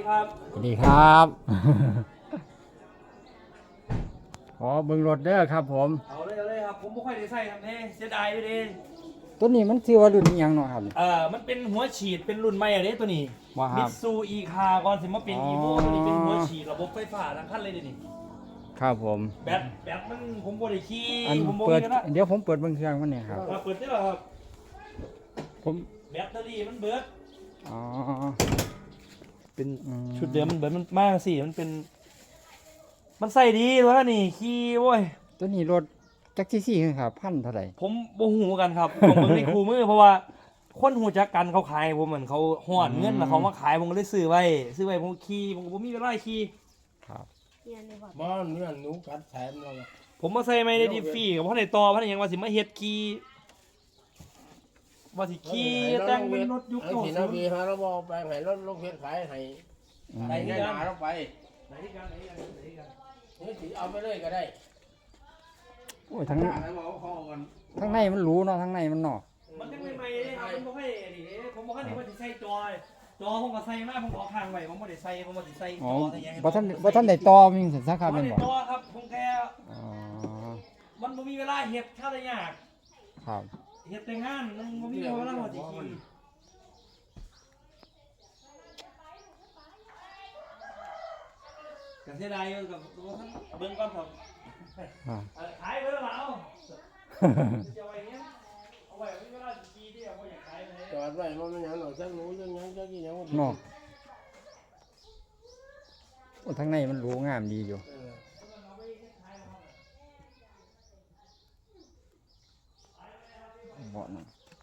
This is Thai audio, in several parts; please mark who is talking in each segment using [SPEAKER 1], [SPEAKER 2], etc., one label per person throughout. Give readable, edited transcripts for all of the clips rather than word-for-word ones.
[SPEAKER 1] ครับ
[SPEAKER 2] สวัสดีครับขอเบิ่งรถเด้อครับผม
[SPEAKER 1] เอาเลยครับผมไม่ค่อยได้ใส่ทำเน่เสียดายอยู่ดิ
[SPEAKER 2] ตัวนี้มันชื่อว่ารุ่นอิหยังเนาะครับ
[SPEAKER 1] มันเป็นหัวฉีดเป็นรุ่นใหม่อะเด้ตัวนี้
[SPEAKER 2] ว่าค
[SPEAKER 1] มิ
[SPEAKER 2] รับ
[SPEAKER 1] ตซูอีคาก่อนสิมาเป็นอีโวตัวนี้เป็นหัวฉีดระบบไฟฟ้าทั้งคันเลยเดี๋ยวนี้
[SPEAKER 2] ครับผม
[SPEAKER 1] แบตมันผมบ่ได้ขี่
[SPEAKER 2] อัน
[SPEAKER 1] ผมบ่
[SPEAKER 2] เปิด
[SPEAKER 1] มีกันละ
[SPEAKER 2] เดี๋ยวผมเปิดเบิ่งเครื่องมันเนี่ยครับ
[SPEAKER 1] เปิดได้หรอครับ
[SPEAKER 2] ผม
[SPEAKER 1] แบตเตอรี่มันเบิด
[SPEAKER 2] อ๋อ
[SPEAKER 1] เป็นชุดเดิมมันเบิดมันมากสิมันใส่ดีวะนี่ขี่โว้ย
[SPEAKER 2] ตัวนี้รถจักรซี่ครับพันเท่าไหร่
[SPEAKER 1] ผมบ่หูกันครับผมเบิ่งในคู่มือเพราะว่าคนหูจักกันเขาขายผมเหมือนเขาหอดเงินแล้วเขามาขายผมก็เลยซื้อไว้ผมขี่ผมก็บ่มีเวลาขี่
[SPEAKER 2] ครับ
[SPEAKER 3] บ้านเนี่ยหนูกัดแถมเรา
[SPEAKER 1] ผมมาใส่ไม่ได้ดีฟรีกับพ่อในต่อพ่อในยังว่าสิมาเฮ็ดขี่ว่าสิขี่แต่งเป็นรถยุค
[SPEAKER 3] ไอ้ที่นาวีฮะเราบอกแปลงให้รถลงเพชรขายให้ในหน้าเราไป
[SPEAKER 1] ไหนกัน
[SPEAKER 3] นี่สิเอาไปเลยก็ได้
[SPEAKER 2] โอ้ยทั้งในมันรู้เนาะทั้งในมันเนาะ
[SPEAKER 1] มันยังใหม่ๆเลยครับผมบ่ให้นี่เด้ผมบ่ให้นี่ว่าสิใส่จอผมก็ใส่มาผมก็เอาข้างไว้ผมบ่ได้ใส่ผมบ่สิใส่จอใส่หยัง
[SPEAKER 2] บ่ทันได้ต่อมีสัญชาติครับ
[SPEAKER 1] บ่
[SPEAKER 2] แม่น
[SPEAKER 1] ได้
[SPEAKER 2] บ่
[SPEAKER 1] ต่อครับผมแค่
[SPEAKER 2] อ๋อ
[SPEAKER 1] มันบ่มีเวลาเฮ็ดข้าวได้ยาก
[SPEAKER 2] ครับ
[SPEAKER 1] เฮ็ดแต่งานมันบ่มีเวลาว่าสิขี่ก็เสียดายอยู่กับเบิ่งก่อนครับขายไปแล้วล่ะเอาจะไว้เนี้ยเอาไว้ไม่ก็ได้ดีที่เอาไว้อยากขายเลย
[SPEAKER 3] จอดไว้มันยังหน่อยจักหนูยังจักกี่ยัง
[SPEAKER 2] เนาะโอ้ทั้งในมันรู้งามดีอยู่เบาะนั่น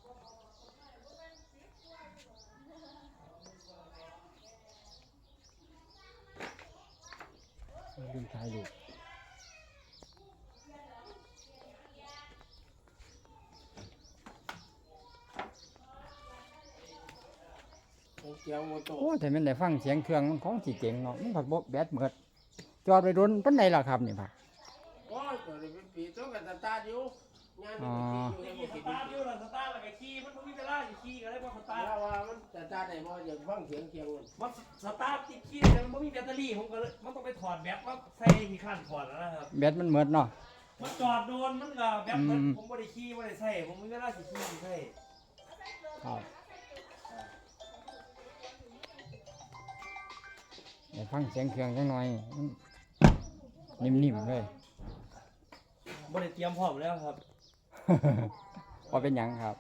[SPEAKER 2] ดึงท้ายดูโอ้แต่มันได้ฟังเสียงเครื่องมันของสีเจ๋งเนาะมันผัดแบตเหมือดจอดไปโดนปันไหนล่ะครับนี่ป่ะ
[SPEAKER 3] โอ้ยตัวนี้เป็นปีต้องกันตาร์ทอยู่งาน
[SPEAKER 1] นี่สตาร์ทอยู่สตาร์ทแล้วก็ขี่มันไม่มีเวลาขี่ก็เลยว่าสตาร์ท
[SPEAKER 3] ว่ามันสตาร์ทได้บ่อย่างฟังเสียงเคียง
[SPEAKER 1] มันสตาร์ทติดขี่แต่มันไม่มีแบตเตอรี่ผมก็เลยมันต้องไปถอดแบตว่าใส่กี่ขั้นถอดแล้วนะครับ
[SPEAKER 2] แบตมันเหมือดเนาะ
[SPEAKER 1] มันจอดโดนมันก็แบตมันผมไม่ได้ขี่ไม่ได้ใส่ผมไม่มีเวลาขี่ใส่
[SPEAKER 2] ครับเดี๋ยวฟังเสียงเครื่องจังหน่อยนิ่มๆเลย
[SPEAKER 1] ไม่ได้เตรียมพร้อมแล้วครับ
[SPEAKER 2] พอเป็นหยังครับ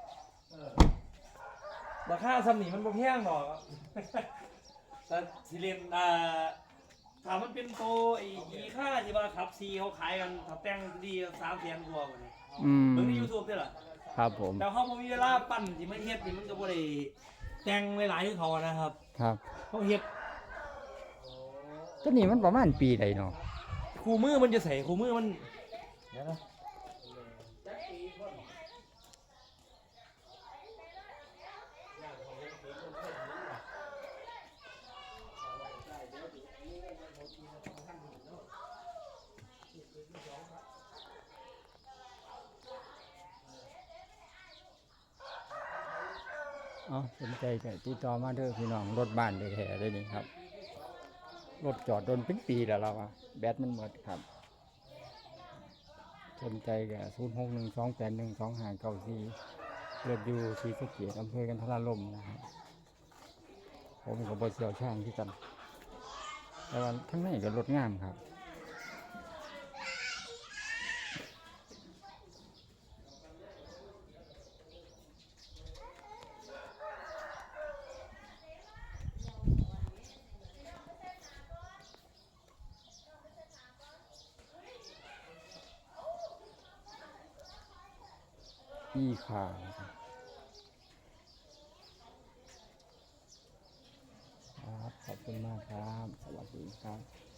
[SPEAKER 1] ราคาซ้ำนี่มันบ่แพงหรอกแต่สิเลนถามมันเป็นโตอีค่าที่ว่าขับซีเขาขายกันถ้าแต่งดี300,000 กว่าเนี่ยเบิ่งใน YouTube ด้วยล่ะ
[SPEAKER 2] ครับผม
[SPEAKER 1] แต่เขาบ่มีเวลาปั้นสิมาเฮ็ดนี่มันก็บ่ได้แต่งหลายๆคือเขานะครับ
[SPEAKER 2] ครับ
[SPEAKER 1] เขาเฮ็ด
[SPEAKER 2] ตัวนี้มันประมาณปีใดเนาะ
[SPEAKER 1] คู่มือมันจะใส่คู่มือมันเดี๋ยวนะ
[SPEAKER 2] สนใจก็ติดต่อมาเด้อพี่น้องรถบ้านแท้ๆเลยนี่ครับรถจอดโดนเป็นปีแล้วเราแบตมันหมดครับสนใจก็0612812594เลือดอยู่ที่สะเกียอำเภอกันทราลมนะครับผมกับบเชี่ยวชาญที่กันแต่ว่าทั้งนี้ก็รถงามครับอีขาครับขอบคุณมากครับสวัสดีครับ